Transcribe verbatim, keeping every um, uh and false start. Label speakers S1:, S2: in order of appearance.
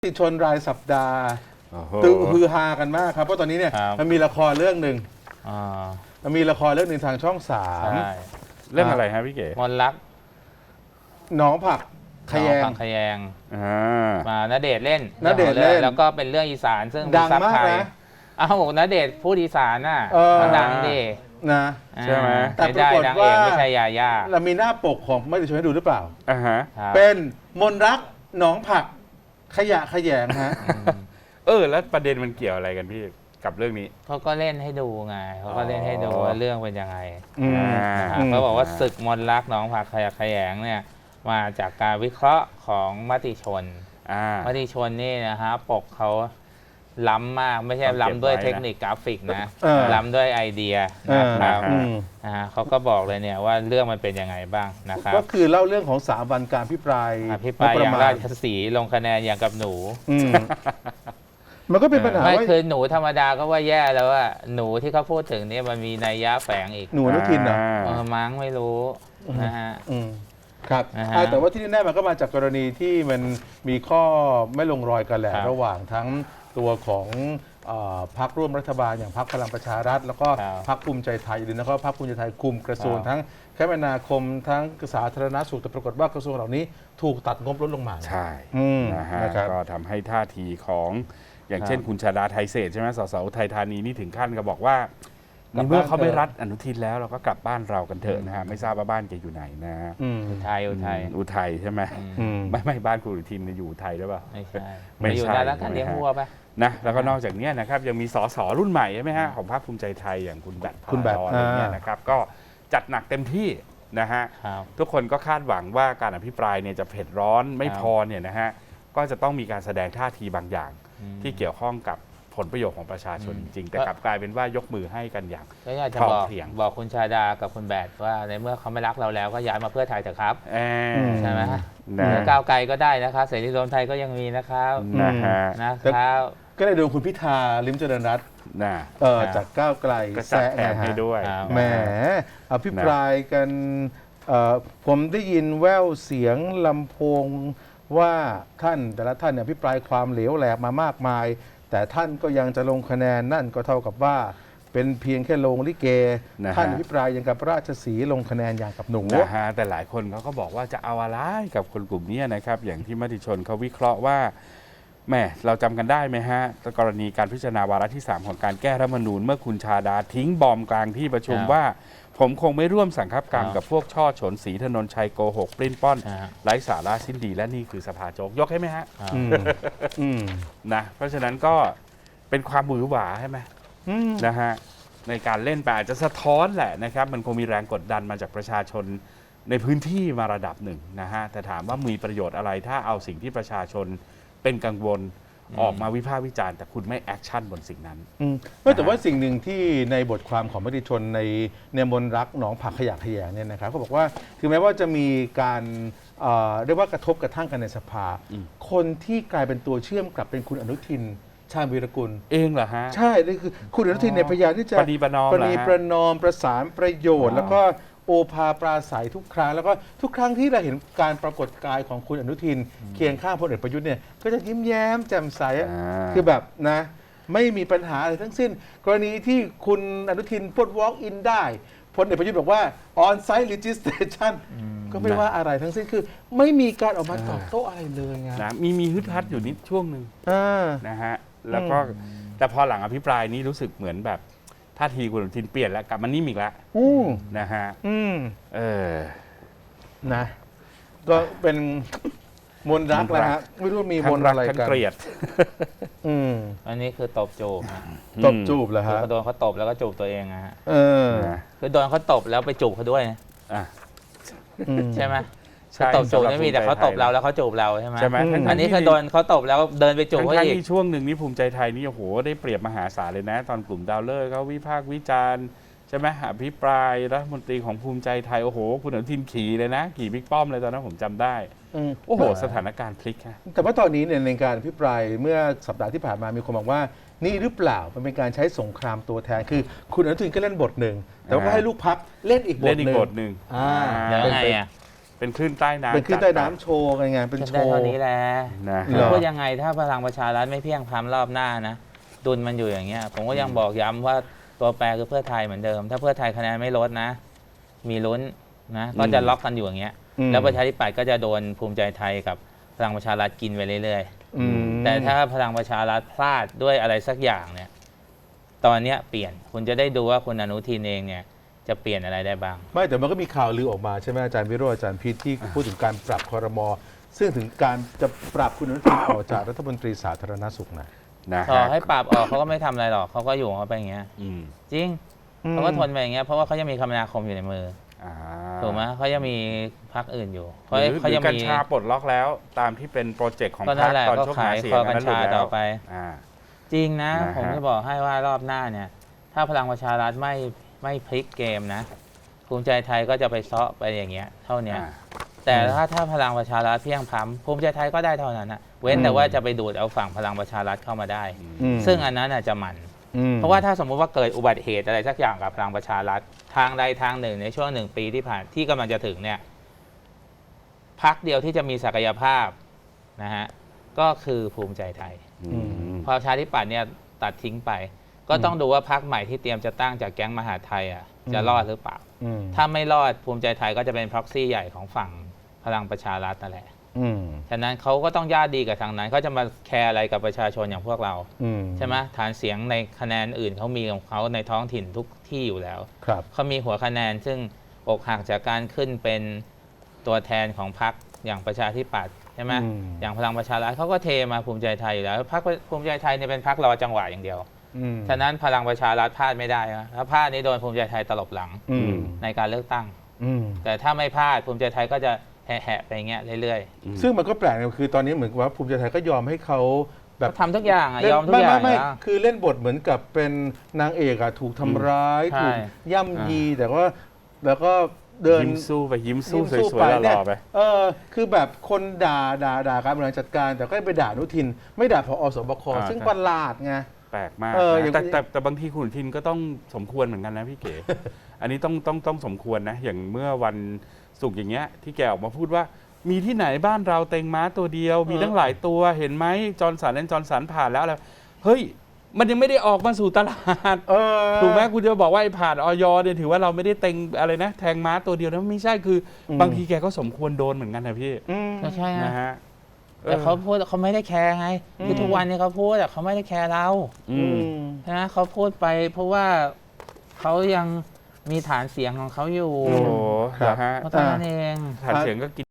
S1: ติชนรายสัปดาห์
S2: โอ้โห
S1: ตึฮือฮากันมากครับเพราะตอนนี้เนี่ย
S3: ครับ
S1: มันมีละครเรื่องหนึ่ง
S3: อ่า
S1: มันมีละครเรื่องหนึ่งทางช่องสาม
S3: ใช่
S2: เรื่องอะไรฮะพี่เก๋
S3: มนต์รัก
S1: หน้องผักขย
S3: น้อง
S1: ง
S3: พังขยง
S2: อ่า
S3: มาณเดชน์เล่น
S1: ณเดชน์เล่น
S3: แล้วก็เป็นเรื่องอีสานซึ่ง
S1: ดัง
S3: ซับ
S1: มาก
S3: ไทย
S1: นะ
S3: เอ้าณเดชน์พูดอีสานน่ะ
S1: เออ
S3: มันดังดิ
S1: นะ
S2: ใช่ไหม
S1: แต่
S3: ไม่ได้
S1: ปรากฏ
S3: ดังเอง
S1: ว่า
S3: ไม่ใช่ยาย่า
S1: เรามีหน้าปกของไม่ได้ชวนให้ดูหรือเปล่า
S2: อ่าฮะ
S3: ครับ
S1: เป็นมนรักหนองผักขยะขยงฮะ
S3: อืม
S2: เออ แล้วประเด็นมันเกี่ยวอะไรกันพี่กับเรื่องนี้
S3: เขาก็เล่นให้ดูไงเขาก็เล่นให้ดู
S2: อ๋อ
S3: ว่าเรื่องเป็นยังไง
S1: อืม
S2: อ่า
S3: นะครับ
S1: อืม
S3: เขาบอกว่าศึกมนต์รักหน้องผักขยะแขยงเนี่ยมาจากการวิเคราะห์ของมติชน
S2: อ่าม
S3: ติชนนี่นะฮะปกเขาล้ำมากไม่ใช่
S2: ต้องเก็บ
S3: ล้ำด้วย
S2: ไว้นะ
S3: เทคนิคกราฟิกนะ
S1: เออ
S3: ล้ำด้วยไอเดีย
S1: เอ
S3: นะ
S1: อ
S3: ครับ
S1: อืม
S3: นะฮะเขาก็บอกเลยเนี่ยว่าเรื่องมันเป็นยังไงบ้างนะครับ
S1: ก็คือเล่าเรื่องของสามวันการพิปราย
S3: อภิปราย
S1: งบ
S3: อย่าง
S1: ประ
S3: รา
S1: มาณ
S3: ชสีห์ลงคะแนนอย่างกับหนู
S1: อืมมันก็เป็นปัญหา
S3: ไม่
S1: ว่า
S3: คือหนูธรรมดาก็ว่าแย่แล้วว่าหนูที่เขาพูดถึงเนี่ยมันมีนัยยะแฝงอีก
S1: หนูอนุทินเหรอ
S3: เออมั้งไม่รู้นะฮะ
S1: อืมครับ
S3: นะฮะ
S1: อ่าแต่ว่าที่แน่ๆมันก็มาจากกรณีที่มันมีข้อไม่ลงรอยกันแหละ
S3: ครับ
S1: ระหว่างทั้งตัวของเอ่อพรรคร่วมรัฐบาลอย่างพรรคพลังประชารัฐ แล้วก็
S3: ครับ
S1: พรรคภูมิใจไทยหรือนะครับพรรคภูมิใจไทยคุมกระทรวง
S3: ครับ
S1: ทั้งคมนาคมทั้งสาธารณสุขแต่ปรากฏว่ากระทรวงเหล่านี้ถูกตัดงบลดลงมา
S2: ใช่
S1: อืม
S2: นะฮะ
S1: นะครับ
S2: ก็ทำให้ท่าทีของอย่าง
S3: ครับ
S2: เช่นคุณชาดาไทยเศรษฐ์ใช่ไหมสสอุทัยธานีนี่ถึงขั้นก็บอกว่าก
S1: ลับ
S2: ในเมื่อเขาไม่
S1: บ้านเถอะ
S2: รัดอนุทินแล้วเราก็กลับบ้านเรากันเถอะนะฮะไม่ทราบว่าบ้านแกอยู่ไหนนะฮะ
S1: อืม
S3: อุทัยอุทัย
S2: อืมอุทัยใช่ไหม
S3: อืม
S1: อืม
S2: ไม่ไม่บ้านคุณอนุทินเนี่ยอยู่อุทัยหรือเปล่า
S3: ไม่ใช่
S2: ไม่
S3: ไปอยู่
S2: ใช่
S3: ได้แล้วกัน
S2: ใช่ไหม
S3: เลี้ยง
S2: ฮะ
S3: วัวไป
S2: นะแล้วก็นอกจากเนี้ยนะครับยังมีสสรุ่นใหม่ใช่ไหมฮะของพรรคภูมิใจไทยอย่างคุณแบท
S1: คุณแบท
S2: พาราดอนอะไรเงี้ย
S1: อ่าน
S2: นะครับก็จัดหนักเต็มที่นะฮะ
S3: ครับ
S2: ทุกคนก็คาดหวังว่าการอภิปรายเนี่ยจะเผ็ดร้อนไม่
S3: ครับ
S2: พอเนี่ยนะฮะก็จะต้องมีการแสดงท่าทีบางอย่าง
S3: อืม
S2: ที่เกี่ยวข้องกับผลประโยชน์ของประชาชน
S3: อื
S2: จ
S3: ม
S2: ริงๆ แต่
S3: ก็
S2: กลับกลายเป็นว่ายกมือให้กันอย่าง
S3: ก็อยากจะ
S2: พร้อม
S3: บอก
S2: เพรียง
S3: บอกคุณชาดากับคุณแบดว่าในเมื่อเขาไม่รักเราแล้วก็ย้ายมาเพื่อไทยเถอะครับ
S2: เอ่อ
S1: อืม
S3: ใช่ไหม
S2: นะ
S3: หรือก้าวไกลก็ได้นะครับเสรีรวมไทยก็ยังมีนะครับ
S2: นะฮะ
S3: นะครับ
S1: ก็เลยโดนคุณพิธาลิมเจริญรัตน์
S2: นะ
S1: เอ่อ
S3: ครับ
S1: จากก้าวไกล
S2: ก็จัด
S1: แซะ
S2: แถม
S1: นะฮะ
S2: ให้ด้วย
S3: ครับ
S1: แหมอภิปรายกันเอ่อผมได้ยินแว่วเสียงลำโพงว่าท่านแต่ละท่านเนี่ยอภิปรายความเหลวแหลกมามากมาย แต่ท่านก็ยังจะลงคะแนนนั่นก็เท่ากับว่า เป็นเพียงแค่ลงลิเก
S2: นะฮะ
S1: ท่านอภิปรายอย่างกับราชสีห์ลงคะแนนอย่างกับหนู
S2: นะฮะแต่หลายคนเขาก็บอกว่าจะเอาอะไรกับคนกลุ่มนี้นะครับ อย่างที่มติชนเขาวิเคราะห์ว่าแหม่เราจำกันได้ไหมฮะกรณีการพิจารณาวาระที่ สาม ของการแก้รัฐธรรมนูญเมื่อคุณชาดาทิ้งบอมกลางที่ประชุม
S3: ครับ
S2: ว่า ผมคงไม่ร่วมสังคับกรรม
S3: ครับ
S2: กับพวกช่อฉนศรีถนนชัยโกหกปลิ้นป้อน
S3: อ่า
S2: ไร้สาระสิ้นดีและนี่คือสภาโจกยกให้ไหมฮะ
S3: ครับ
S1: อืมอืม
S2: นะเพราะฉะนั้นก็เป็นความหวือหวาใช่ไหม
S1: อืม
S2: นะฮะในการเล่นไปอาจจะสะท้อนแหละนะครับมันคงมีแรงกดดันมาจากประชาชนในพื้นที่มาระดับหนึ่งนะฮะแต่ถามว่ามีประโยชน์อะไรถ้าเอาสิ่งที่ประชาชนเป็นกังวล
S3: อืม
S2: ออกมาวิพากษ์วิจารณ์แต่คุณไม่แอคชั่นบนสิ่งนั้น
S1: อืมไม่แต่ว่าสิ่งหนึ่งที่ในบทความของมติชนในเนมนรักหนองผักขยะขยงเนี่ยนะครับเขาบอกว่าถึงแม้ว่าจะมีการเอ่อเรียกว่ากระทบกระทั่งกันในสภา
S2: อืม
S1: คนที่กลายเป็นตัวเชื่อมกลับเป็นคุณอนุทินชาญวีรกุล
S2: เองเหรอฮะ
S1: ใช่นี่คือคุณอนุทินเนี่ยพยายามที่จะ
S2: ประนีประนอม
S1: ประ
S2: เหรอ
S1: นี
S2: ฮะ
S1: ประนอมประสานประโยชน์
S2: อ๋อ
S1: แล้วก็โอภาปราศัยทุกครั้ง แล้วก็ทุกครั้งที่เราเห็นการปรากฏกายของคุณอนุทิน เคียงข้างพลเอกประยุทธ์เนี่ยก็จะยิ้มแย้มแจ่มใสอะ
S2: อ่า
S1: คือแบบนะไม่มีปัญหาอะไรทั้งสิ้น กรณีที่คุณอนุทินพูด walk in ได้พลเอกประยุทธ์บอกว่า on site registration ก็ไม่ว่าอะไรทั้งสิ้นคือไม่มีการออกมาตอบโต้อะไรเลยไง
S2: นะมีมีฮึดฮัดอยู่นิดช่วงหนึ่ง
S1: อ่า
S2: นะฮะแล้วก็แต่พอหลังอภิปรายนี้รู้สึกเหมือนแบบท่าทีคุณอนุทินเปลี่ยนแล้วกลับมานิ่มอีกแล้ว
S1: อืม
S2: นะฮะ
S1: อืม
S2: เออ
S1: นะ ก็เป็นมนต์รัก
S2: มนต์รัก
S1: นะฮะไม่รู้มี
S2: ทั้
S1: ม
S2: ง
S1: นต์
S2: รัก
S1: อะไร
S2: ทั้ง
S1: กัน
S2: เกลียด
S1: อืม
S3: อันนี้คือตบจูบฮะ
S1: ตบจูบเหรอ
S3: คือ
S1: ฮะ
S3: เขาโดนเขาตบแล้วก็จูบตัวเองนะฮะ
S1: เออ
S2: นะ
S3: คือโดนเขาตบแล้วไปจูบเขาด้วยนะ
S2: อ่ะ
S1: อืม
S3: ใช่ไหม
S2: ใช่
S3: ตบจูบ
S2: สำหรับ
S3: ไม่มีแต่เขาตบเราแล้วเขาจูบเราใช่ไหม
S2: ใช่ไหม
S1: อืม
S2: ทั้งๆ
S3: อันนี้
S2: ที่
S3: คือโดนเขาตบแล้วเดินไปจูบเขา
S2: ทั้งๆ
S3: อีก
S2: ที่ช่วงหนึ่งนี่ภูมิใจไทยนี่โอ้โหได้เปรียบมหาศาลเลยนะ ตอนกลุ่มดาวเลิกเขาวิพากษ์วิจารณ์ใช่ไหมอภิปรายรัฐมนตรีของภูมิใจไทยโอ้โหคุณอนุทินขี่เลยนะขี่บิ๊กป้อมเลยตอนนั้นผมจำได้
S1: อืม
S2: โอ้โหสถานการณ์พลิกฮะ
S1: แต่ว่าตอนนี้เนี่ยในการอภิปรายเมื่อสัปดาห์ที่ผ่านมามีคนบอกว่า นี่หรือเปล่ามันเป็นการใช้สงครามตัวแทนคือ คุณอนุทินก็เล่นบทหนึ่งแต่ว่าก็
S2: อ่า
S1: ให้ลูกพักเล่นอีกบ
S2: เล่
S1: ท
S2: นอี
S1: หนึ่
S2: ก
S1: ง
S2: บทหนึ่ง
S1: อ่า
S3: แล้ว
S1: เป็น
S3: ไง
S1: ไป
S3: อ่ะ
S2: เป็นคลื่นใต้น้ำ
S1: เป็นขึ้นใต้น้ำโชว์กันไงเป็น
S3: จะ
S1: โช
S3: ได้
S1: ว์
S3: เท่านี้แหละ
S2: นะ
S1: เหรอ
S3: พูดยังไงถ้าพลังประชารัฐไม่เพียงพล้ำรอบหน้านะดุลมันอยู่อย่างเงี้ยผมก็ยังบอกย้ำว่าตัวแปรคือเพื่อไทยเหมือนเดิม ถ้าเพื่อไทยคะแนนไม่ลดนะ มีลุ้นนะก็จะล็อกกันอยู่อย่างเงี้ย
S1: อืม
S3: แล้วประชาธิปัตย์ก็จะโดนภูมิใจไทยกับพลังประชารัฐกินไปเรื่อย
S1: อืม
S3: ๆ แต่ถ้าพลังประชารัฐพลาดด้วยอะไรสักอย่างเนี่ยตอนเนี้ยเปลี่ยนคุณจะได้ดูว่าคุณอนุทินเองเนี่ยจะเปลี่ยนอะไรได้บ้าง
S1: ไม่แต่มันก็มีข่าวลือออกมาใช่ไหมอาจารย์วิโรจน์อาจารย์พีทที่พูดถึงการปรับครม.ซึ่งถึงการจะปรับคุณอนุทินออกจากรัฐมนตรีสาธารณสุขนะ
S2: นะ
S3: ต่อ
S2: ฮะ
S3: ให้ปราบออกเขาก็ไม่ทำอะไรหรอกเขาก็อยู่ของเขาไปอย่างเงี้ย
S2: อืม
S3: จริงเขาก็ทนไปอย่างเงี้ยเพราะว่าเขายังมีคมนาคมอยู่ในมือ
S2: อ่า
S3: ถูกไหมเขายังมีพรรคอื่นอยู่
S2: ห
S3: เขา
S2: รือ
S3: เขา
S2: หรื
S3: ยั
S2: อง กัญ
S3: มี
S2: ชาปลดล็อกแล้วตามที่เป็นโปรเจกต์ของ
S3: ก็
S2: พร
S3: นั่
S2: ร
S3: น
S2: ค
S3: แหละ
S2: ตอน
S3: ก็
S2: ช่วง
S3: ขา
S2: หาย เสีย
S3: ค
S2: ง
S3: อกัญ
S2: นั้นหลุ
S3: ชา
S2: ดแล้ว
S3: ต่อไป
S2: อ่า
S3: จริงนะ
S2: นะฮะ
S3: ผมจะบอกให้ว่ารอบหน้าเนี่ย ถ้าพลังประชารัฐไม่ไม่พลิกเกมนะภูมิใจไทยก็จะไปเซาะไปอย่างเงี้ยเท่าเนี้ย
S2: อ่า
S3: แต่ถ้าถ้าพลังประชารัฐเพียงพล้ำภูมิใจไทยก็ได้เท่านั้นนะเว้นแต่ว่าจะไปดูดเอาฝั่งพลังประชารัฐเข้ามาได้
S1: อืม
S3: ซึ่งอันนั้นน่ะจะมัน
S1: อืม
S3: เพราะว่าถ้าสมมุติว่าเกิดอุบัติเหตุอะไรสักอย่างกับพลังประชารัฐทางใดทางหนึ่งในช่วงหนึ่งปีที่ผ่านที่กำลังจะถึงเนี่ยพรรคเดียวที่จะมีศักยภาพนะฮะก็คือภูมิใจไทย
S2: อืม
S3: พอประชาธิปัตย์เนี่ยตัดทิ้งไป ก็ต้องดูว่าพรรคใหม่ที่เตรียมจะตั้งจากแก๊งมหาไทยอ่ะจะรอดหรือเปล่า
S1: อืม
S3: ถ้าไม่รอดภูมิใจไทยก็จะเป็นพ็อกซี่ใหญ่ของฝั่งพลังประชารัฐนั่นแหละ
S1: อืม
S3: ฉะนั้นเขาก็ต้องญาติดีกับทางนั้นเขาจะมาแคร์อะไรกับประชาชนอย่างพวกเรา
S1: อืม
S3: ใช่ไหมฐานเสียงในคะแนนอื่นเขามีของเขาในท้องถิ่นทุกที่อยู่แล้ว
S1: ครับ
S3: เขามีหัวคะแนนซึ่งอกหักจากการขึ้นเป็นตัวแทนของพรรคอย่างประชาธิปัตย์ใช่ไหม
S1: อืม
S3: อย่างพลังประชารัฐเขาก็เทมาภูมิใจไทยอยู่แล้วพรรคภูมิใจไทยเนี่ยเป็นพรรครอจังหวะอย่างเดียว
S1: อืม
S3: ฉะนั้นพลังประชารัฐพลาดไม่ได้นะถ้าพลาดนี่โดนภูมิใจไทยตลบหลัง
S1: อืม
S3: ในการเลือกตั้ง
S1: อืม
S3: แต่ถ้าไม่พลาดภูมิใจไทยก็จะแหะๆไปอย่างเงี้ยเรื่อย
S1: ซึ่งมันก็แปลกนะคือตอนนี้เหมือนกับว่าภูมิใจไทยก็ยอมให้เขา
S3: ๆ
S1: แบบ
S3: เขาทำทุกอย่างอะ
S1: เล่น
S3: ยอมทุก
S1: ไม่
S3: อย่า
S1: ไม่
S3: ง
S1: ไม่
S3: แล้ว
S1: คือเล่นบทเหมือนกับเป็นนางเอกอะถูกทำร้าย
S3: ใช่
S1: ถูกย่ำยีแต่ว่าแล้วก็เดิน
S2: ยิ้มสู้ไปยิ้มสู้
S1: ยิ้ม
S2: สวยๆห
S1: เนี่
S2: ล่อๆไป
S1: เออคือแบบคนด่าด่าด่าการบริหารจัดการ แต่ก็ไปด่าอนุทิน ไม่ด่าพอสบค
S2: อ่า
S1: ซึ่ง
S2: ใช่
S1: ประหลาดไง
S2: แปลกมาก
S1: เออ
S2: นะ
S1: อย่าง
S2: แต่แต่แต่บางทีคุณอนุทินก็ต้องสมควรเหมือนกันนะพี่เก๋ อันนี้ต้องต้องต้องสมควรนะ อย่างเมื่อวันศุกร์อย่างเงี้ยที่แกออกมาพูดว่ามีที่ไหนบ้านเราเต็งม้าตัวเดียว มีตั้งหลายตัวเห็นไหมจอร์นสันและจอร์นสันผ่านแล้วอะไรเฮ้ย มันยังไม่ได้ออกมาสู่ตลาด
S1: เออ
S2: ถูกไหมคุณจะบอกว่าไอ้ผ่านออยเนี่ยถือว่าเราไม่ได้เต็งอะไรนะ แทงม้าตัวเดียวนะไม่ใช่คืออ
S1: ม
S2: บางทีแกก็สมควรโดนเหมือนกันนะพี่
S1: อืม
S3: ก็ใช่
S2: นะ
S3: ฮะ
S2: ฮะ
S3: แต่เขาพูดเขาไม่ได้แคร์ไงคือ
S1: ม
S3: ทุกวันนี้เขาพูดแต่เขาไม่ได้แคร์เรา
S2: อื
S1: อื
S2: ม
S1: ม
S3: นะเขาพูดไปเพราะว่าเขายังมีฐานเสียงของเขาอยู่
S2: โอ้โห
S1: ครับ
S2: นะฮะ
S3: เพราะฉะนั้นเอง
S2: ฐานเสียงก็กิน